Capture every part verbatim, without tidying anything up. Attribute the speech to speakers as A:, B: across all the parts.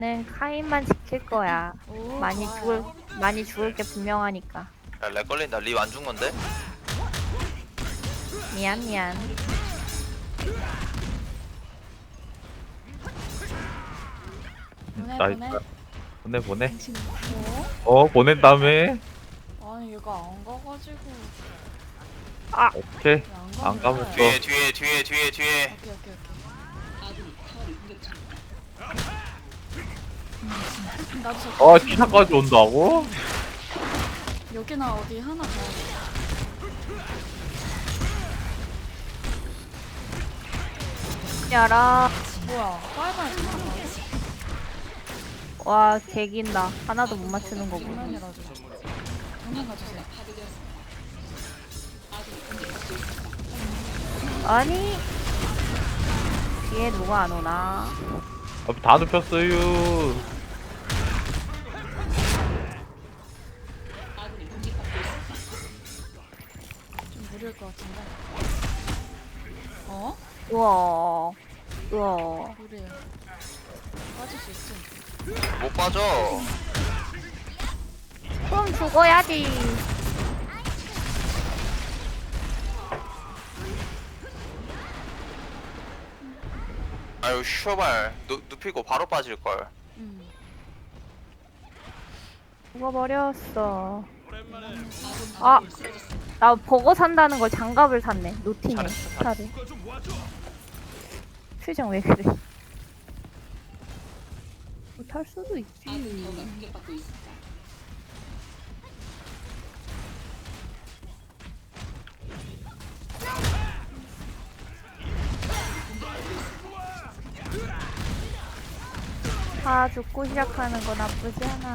A: 는 카인만 지킬 거야.
B: 오,
A: 많이
B: 좋아요.
A: 죽을 많이 죽을 게 분명하니까.
C: 야, 렉 걸린다. 립 안 준 건데?
A: 미안 미안.
B: 보내
D: 나이스.
B: 보내.
D: 보내 보내.
B: 당신 뭐?
D: 어 보낸 다음에
B: 아니 얘가 안 가가지고
D: 오케이.
B: 왜 안
D: 안 가면 또.
C: 뒤에 뒤에 뒤에 뒤에 뒤에.
B: 오케이 오케이 오케이. 나도 저
D: 어 기사까지 온다고?
B: 여기나 어디 하나 가야겠다.
A: 야라.
B: 뭐야? 빨빨 잠깐만.
A: 와 개긴다. 하나도 못 맞추는 거 보고.
B: 장난이라도. 장난 가주세요.
A: 아니 뒤에 누가 안 오나?
D: 아, 다 눕혔어요.
B: 좀 무리일 것 같은데. 어?
A: 우와 우와.
B: 무리해. 빠질 수 있지.
C: 못 빠져.
A: 그럼 죽어야지.
C: 아유 슈발. 누, 눕히고 바로 빠질걸.
B: 음.
A: 죽어버렸어. 아, 나 버거 산다는 걸 장갑을 샀네. 노티네.
C: 잘했어,
A: 차를. 표정 왜 그래? 못할 수도 있지. 다 죽고 시작하는 거 나쁘지 않아.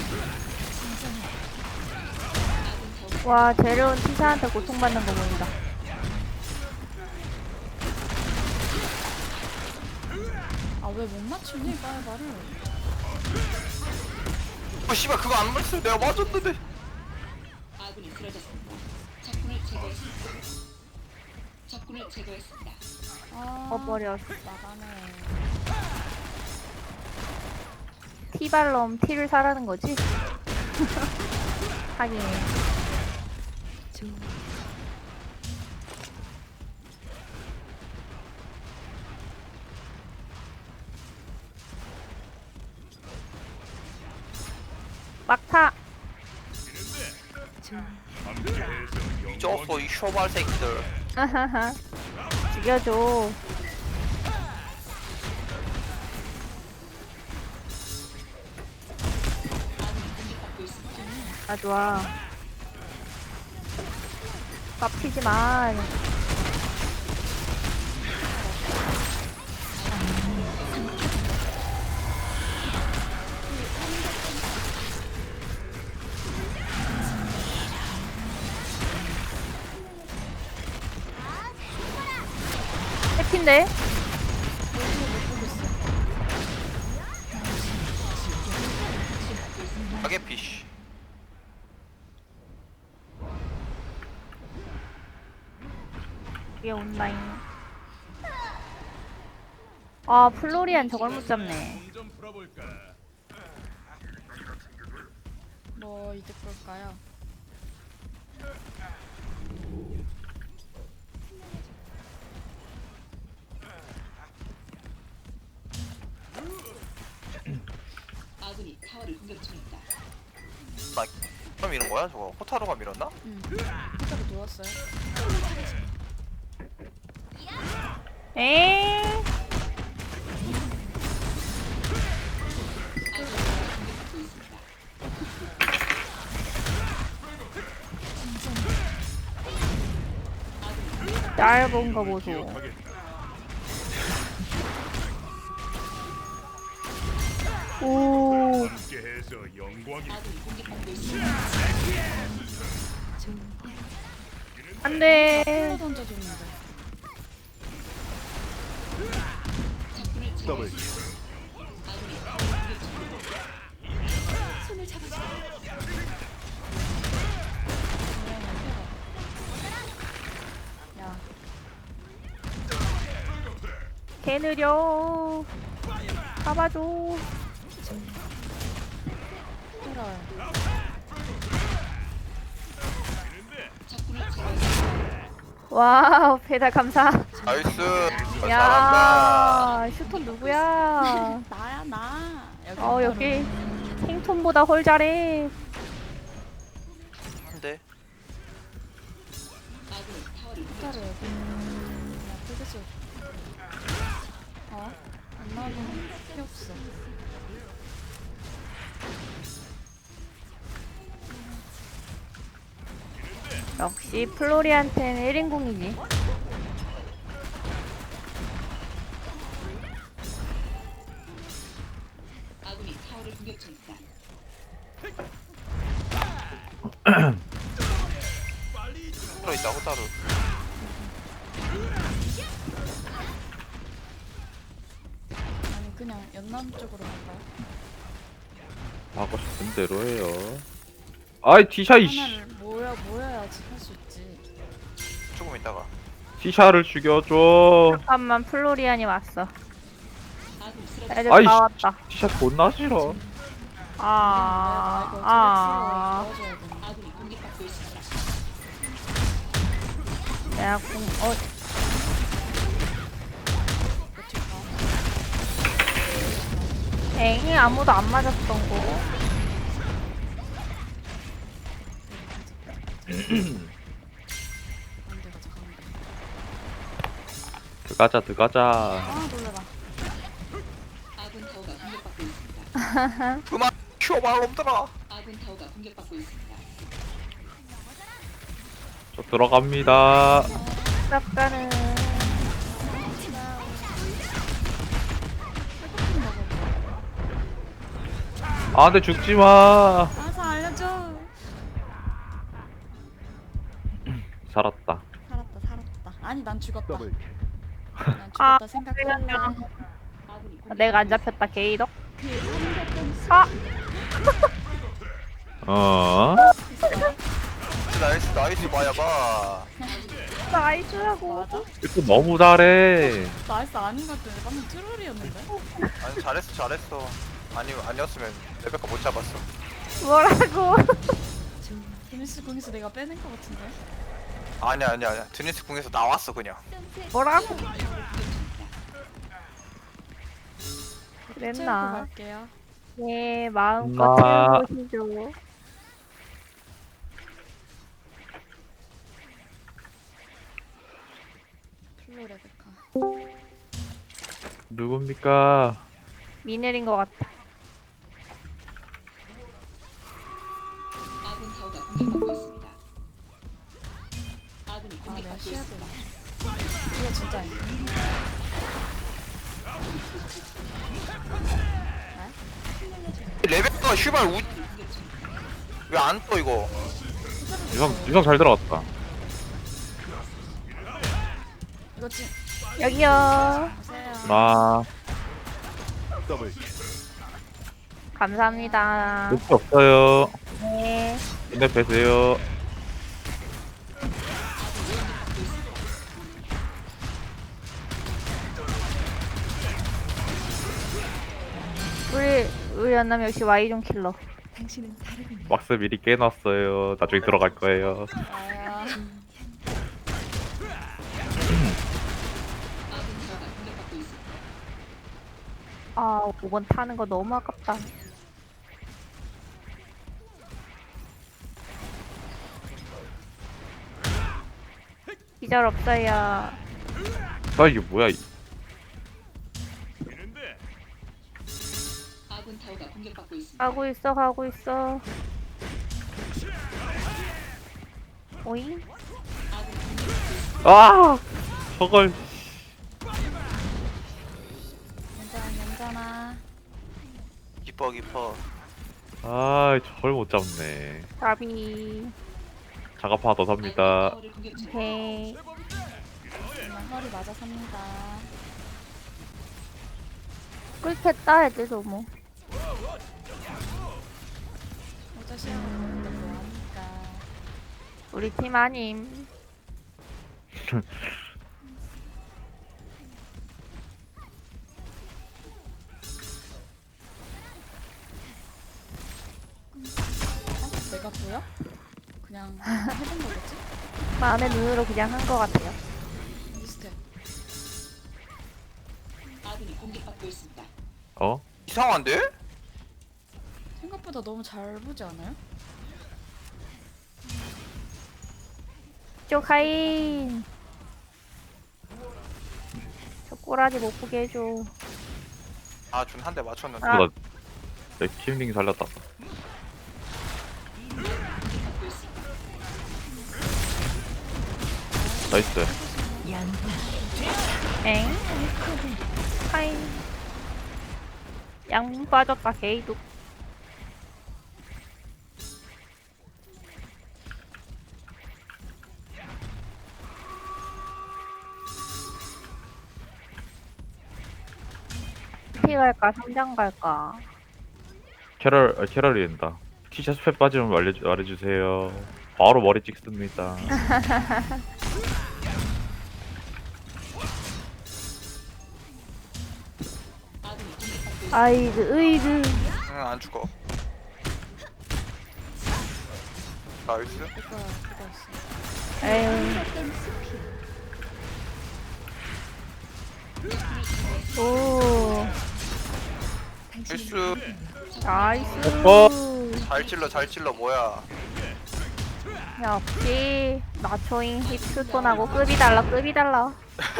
A: 와, 재료운 티샤한테 고통받는 거 보인다.
B: 아 왜 못 맞추니 빨빨을?
C: 어 씨발 그거 안 맞았어. 내가 맞았는데.
E: 아군이 쓰러졌습니다. 적군을 제거했습니다. 적군을 제거했습니다.
B: 아.
A: 어버렸어.
B: 나가네.
A: 티발럼 티를 사라는 거지? 하긴. 막타!
C: 쩌어 이 슈발 새끼들.
A: 아하하. 죽여줘. 아, 좋아. 깝치지 마. 해피인데?
C: 가게 피쉬.
A: 이게 온라인. 아, 플로리안 저걸 못 잡네.
B: 뭐 이득 볼까요?
E: 아군이 타워를 공격 중입니다.
C: 나 그럼 이런 거야 저거? 호타루가 밀었나?
B: 응. 혼자로 누웠어요.
A: 에이. 짧은 거 보소. 오.
F: 함께해서 영광이.
E: 아군이 공격받고 있습니다.
A: 안 돼.
B: 풀로 던져줬는데.
E: 적군을
F: 더블.
E: 제거했습니다. 아군이 타워를 공격 중입니다. 손을 잡아줘.
B: 야,
A: 개 느려. 잡아줘. 와우, 배달 감사.
C: 나이스. 어, 잘한다.
A: 야, 슈톤 누구야?
B: 나야 나. 여기
A: 어, 여기 킹톤보다 홀 잘해.
C: 한대.
E: 아군이 타워를
B: 호타루 여기. 야 풀겠어. 어? 안 나오면 필요 없어.
A: 역시 플로리한테는 일 인공이지.
E: 아군이 타워를 공격 중이다.
C: 호타루 있다 호타루.
B: 아니 그냥 연남 쪽으로 갈까요?
D: 하고 싶은 대로 해요. 아이 티샤 이씨.
B: 하나를 모여 모여야지 할 수 있지.
C: 조금 있다가.
D: 티샤를 죽여줘.
A: 잠깐만, 플로리안이 왔어.
E: 아군이 쓰러졌다.
A: 애들
D: 아이씨.
A: 다 왔다.
D: 티샤 존나 싫어.
A: 아,
B: 내가
A: 아,
B: 이거 도와줘야 돼.
E: 아군이 공격받고 있습니다.
A: 내가 공, 어, 엥, 아무도 안 맞았던 거.
B: 가운데 가자 가운데.
D: 들어가자 들어가자.
B: 아 놀래라.
E: 아군 타워가 공격받고 있습니다.
C: 그만 큐어발 놈들아.
E: 아군 타워가 공격받고 있습니다.
D: 저 들어갑니다.
A: 쌉가는.
D: 아 근데 죽지 마.
B: 알아서 알려줘.
D: 살았다.
B: 살았다 살았다. 아니 난 죽었다. 난
A: 아,
B: 죽었다 생각할래.
E: 아군이 공격-
A: 내가 안 잡혔다, 게이덕. 아,
D: 어?
C: 나이스 나이스 마야바.
A: 나이스라고.
B: 맞아?
D: 이거 너무 잘해.
B: 나이스 아닌 것 같은데 방금 트롤이었는데?
C: 아니 잘했어 잘했어. 아니 아니었으면 레베카 못 잡았어.
A: 뭐라고?
B: 데니스 공에서 내가 빼낸 것 같은데?
C: 아니야 아니야 아니야. 드니스 궁에서 나왔어 그냥.
A: 뭐라고?
B: 채우고
A: 그랬나?
B: 갈게요.
A: 예, 마음껏
D: 엄마.
A: 채워보시죠.
B: 플로 레베카.
D: 누굽니까?
A: 미늘인 것 같다.
E: 아군 타워가 공격받고 있습니다. 아군이
B: 아 내가
E: 공격받고
B: 쉬어야
E: 있습니다.
B: 되나? 이거 진짜 아니야.
C: 레베카 슈발 우. 왜 안 떠 이거?
D: 유성 유성 잘 들어갔다.
B: 이거 지
A: 여기요.
B: 오세요.
D: 나
A: 감사합니다.
D: 루트 없어요.
A: 네.
D: 근데 뵈세요.
A: 우리, 우리 연남 역시 Y존 킬러.
D: 막스 미리 깨놨어요. 나중에 들어갈 거예요.
B: 아야.
E: 아군 타워가 공격받고 있습니다.
A: 아, 오 번 타는 거 너무 아깝다. 기절 없어요.
D: 아 이게 뭐야? 이-
F: 되는데
E: 아군 타워가 공격받고 있습니다.
A: 가고 있어, 가고 있어. 오잉?
E: 아군이 공격받고 있습니다.
D: 아 저걸.
B: 괜찮아 괜찮아.
C: 기뻐 기뻐.
D: 아 저걸 못 잡네.
A: 답이.
D: 자가파 더
E: 아군이
D: 삽니다.
E: 타워를 공격 중입니다.
A: 오케이.
B: 정말 허리 맞아 삽니다.
A: 꿀했다, 애들도 뭐.
B: 모자 시험을 보는데 뭐합니까?
A: 우리 팀 아님.
B: 어? 내가 보여? 그냥 해본 거겠지?
A: 마음의 눈으로 그냥 한 거 같아요.
D: 어?
C: 이상한데?
B: 생각보다 너무 잘 보지 않아요?
A: 쪼카인. 저 꼬라지 못 보게 해줘.
C: 아 준 한 대 맞췄는데.
A: 아.
D: 나, 내 키링 살렸다. 나이스.
A: 엥? 카인. 양분 빠졌다 게이도. 피 갈까 삼장 갈까?
D: 캐럴, 아, 캐럴이 된다. 티셔츠 팩 빠지면 말해주, 말해주세요. 바로 머리 찍습니다.
A: 아이드 으이드.
C: 응안 죽어. 나이스.
B: 그거 그거였어.
A: 에휴. 오.
C: 실수.
A: 나이스.
D: 어?
C: 잘 찔러 잘 찔러 뭐야.
A: 역시 나초잉 힙스톤하고 급이 달라 급이 달라.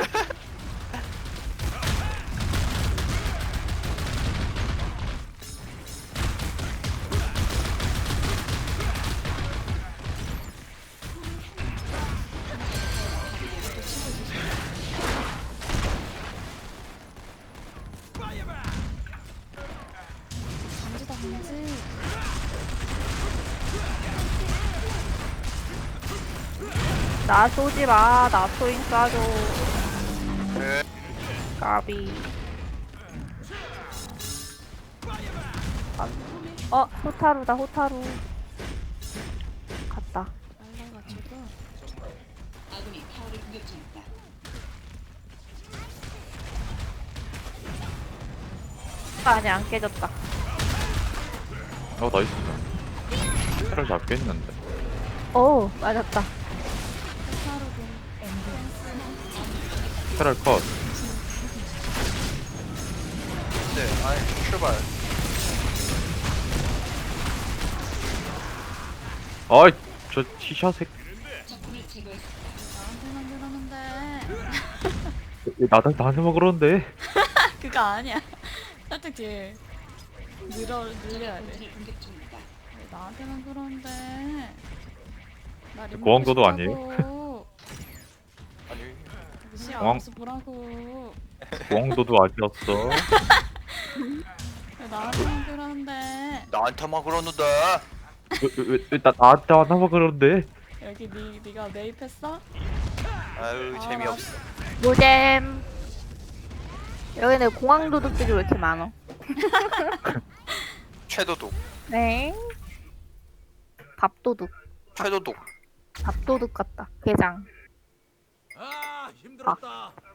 B: 반지다 반지.
A: 나 쏘지 마. 나초잉 쏴줘.
C: 네.
A: 까비. 어 호타루다 호타루. 갔다.
B: 날라가지고.
E: 아군이 타워를 공격 중이다.
A: 아니 안 깨졌다.
D: 어, 나이스. 캐럴 잡겠는데.
A: 오 맞았다.
B: 호타루군.
D: 캐럴 컷.
C: 네. 아니 출발.
D: 아이, 저 티셔츠
E: 적군을 제거했습니다.
B: 나한테만 그러는데.
D: 나한테 나한테 막 그러는데.
B: 그거 아니야. 살짝 뒤에 늘어 늘려야 돼.
E: 본진을 공격 중이다.
B: 왜 나한테만 그러는데. 나 림
D: 고항도도
B: 보고
D: 아니에요?
B: 싶다고.
C: 아니
B: 시
D: 고항-
B: 알아서 보라고.
D: 왕도도 아니었어.
B: 왜 나한테만 그러는데.
C: 나한테만 그러는데.
D: 왜왜나 나한테 하나만 그러는데.
B: 여기 니 니가 매입했어?
C: 아유
B: 아,
C: 재미없어.
A: 노잼. 여기는 공항 도둑들이 왜 이렇게 많어?
C: 최도독.
A: 네. 밥도둑.
C: 최도독.
A: 밥도둑 같다. 게장.
F: 아 힘들었다.